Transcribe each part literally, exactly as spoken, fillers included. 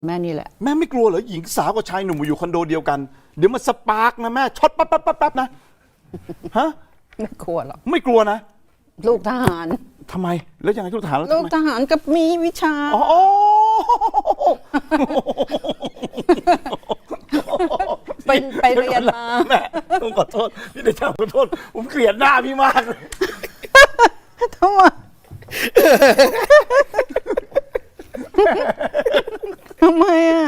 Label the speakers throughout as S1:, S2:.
S1: แม่นี่แหละ
S2: แม่ไม่กลัวเหรอหญิงสาวกับชายหนุ่มอยู่คอนโดเดียวกันเดี๋ยวมันสปาร์กนะแม่ช็อตปั๊บปั๊บปั๊บปั๊บนะฮะ
S1: ไม่กลัวหรอก
S2: ไม่กลัวนะ
S1: ลูกทหาร
S2: ทำไมแล้วยังไงลูกทหารแล้ว
S1: ลูกทหารก็มีวิชา
S2: อ๋อ
S1: ไปไปเรียนมา
S2: แม่ผมขอโทษพี่เดชาขอโทษผมเกลียดหน้าพี่มากเลย
S1: ทำไมทำไมอ่ะ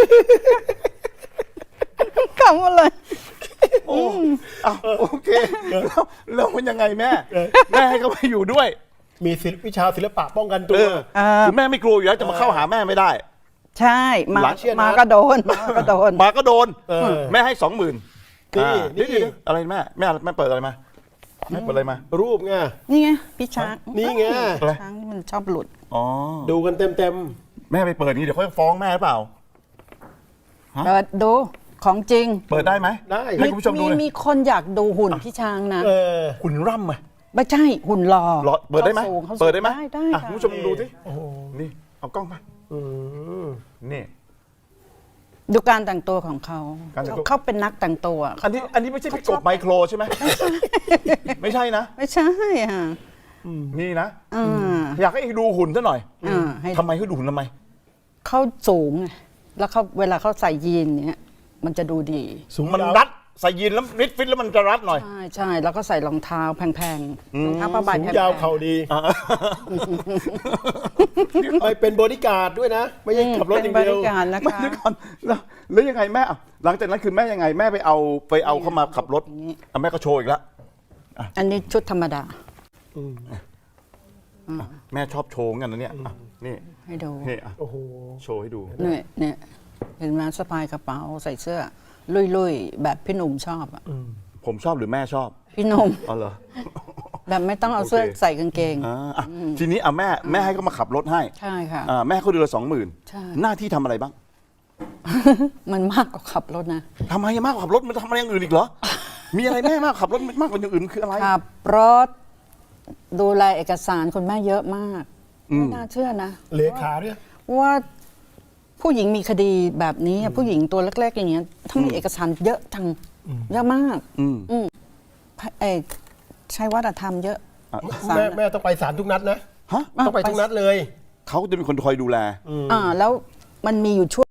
S1: คำอะไร
S2: โอ้โอเคแล้วแล้วมันยังไงแม่แม่ให้เขาไปอยู่ด้วย
S3: มีวิชาศิลปะป้องกันตัว
S2: คือแม่ไม่กลัวอยู่แล้วจะมาเข้าหาแม่ไม่ได้
S1: ใช่มามาก็โดนมาก็โดน
S2: มาก็โดนแม่ให้สองหมื่น
S3: นี่นี่
S2: อะไรแม่แม่แม่เปิดอะไรมาแม่เปิดอะไรมา
S3: รูปไง
S1: นี่ไงพี่ช้าง
S3: นี่ไง
S1: ช้างที่มันชอบหลุด
S2: อ๋อ
S3: ดูกันเต็มเต็ม
S2: แม่ไปเปิดนี่เดี๋ยวเขาฟ้องแม่หรือเปล่า
S1: เปิดดูของจริง
S2: เปิดได้ไหม
S3: ได้
S2: ให้คุณผู้ชมดูเลย
S1: มีคนอยากดูหุ่นพี่ช้างนะ
S2: หุ่นร่ำไหม
S1: ไม่ใช่หุ่นหล่อ
S2: เปิดได้ไหมเปิดได้ไหม
S1: ได้
S2: คุณผู้ชมดูสินี่เอากล้องมานี่
S1: ดูการแต่งตัวของเขาเขาเป็นนักแต่งตัว
S2: อันนี้อันนี้ไม่ใช่พี่กบไมโครใช่ไหมไม่ใช่นะ
S1: ไม่ใช่อ่ะ
S2: นี่นะอยากให้ดูหุ่นซะหน่อยทำไมเขาดูหุ่นทำไม
S1: เขาสูงแล้วเขาเวลาเขาใส่ยีนเนี้ยมันจะดูดี
S2: สูงมันรัดใส่ยีนแล้วฟิตฟิตแล้วมันจะรัดหน่อย
S1: ใช่ใช่แล้วก็ใส่รองเท้าแพงๆรองเท้าผ้าใบแพง
S3: ๆยาวเข่าดีไปเป็นบริการด้วยนะไม่ใช่ขับรถอย่างเดียว
S2: ไม่เดี๋ยวก่อนแล้วแล้วยังไงแม่หลังจากนั้นคือแม่ยังไงแม่ไปเอาไปเอาเข้ามาขับรถแม่ก็โชว์อีกแล้ว
S1: อันนี้ชุดธรรมดา
S2: แม่ชอบโชว์กันนะเนี่ยนี่
S1: ให้ดู
S2: นี่โอ้โหโชว์ให้ดู
S1: เนี่ยเนี่ยเห็นไหมสะพายกระเป๋าใส่เสื้อลุยๆแบบพี่หนุ่มชอบอ่ะ
S2: ผมชอบหรือแม่ชอบ
S1: พี่หนุ่ม
S2: อ๋อเหรอ
S1: แบบไม่ต้องเอาเสื้อใส่กางเกง
S2: ทีนี้อ่ะแม่แม่ให้เขามาขับรถให้
S1: ใช่ค่ะ
S2: แม่เขาเดือนละสองหมื่นหน้าที่ทำอะไรบ้าง
S1: มันมากกว่าขับรถนะ
S2: ทำไมมากกว่าขับรถมันทำอะไรอย่างอื่นอีกเหรอมีอะไรแม่มากขับรถมากกว่าอย่างอื่นคืออะไร
S1: ขับรถดูแลเอกสารคุณแม่เยอะมากไม่น่าเชื่อนะ
S3: เลขาเนี่ย
S1: ว่าผู้หญิงมีคดีแบบนี้ผู้หญิงตัวเล็กๆอย่างเงี้ยทั้งมีเอกสารเยอะจังเยอะมากไอ้ใช้วัฒนธรรมเยอะ
S3: แม่แม่ต้องไปศาลทุกนัดนะต้องไปทุกนัดเลย
S2: เขาจะเป็นคนคอยดูแล
S1: อ่าแล้วมันมีอยู่ช่วง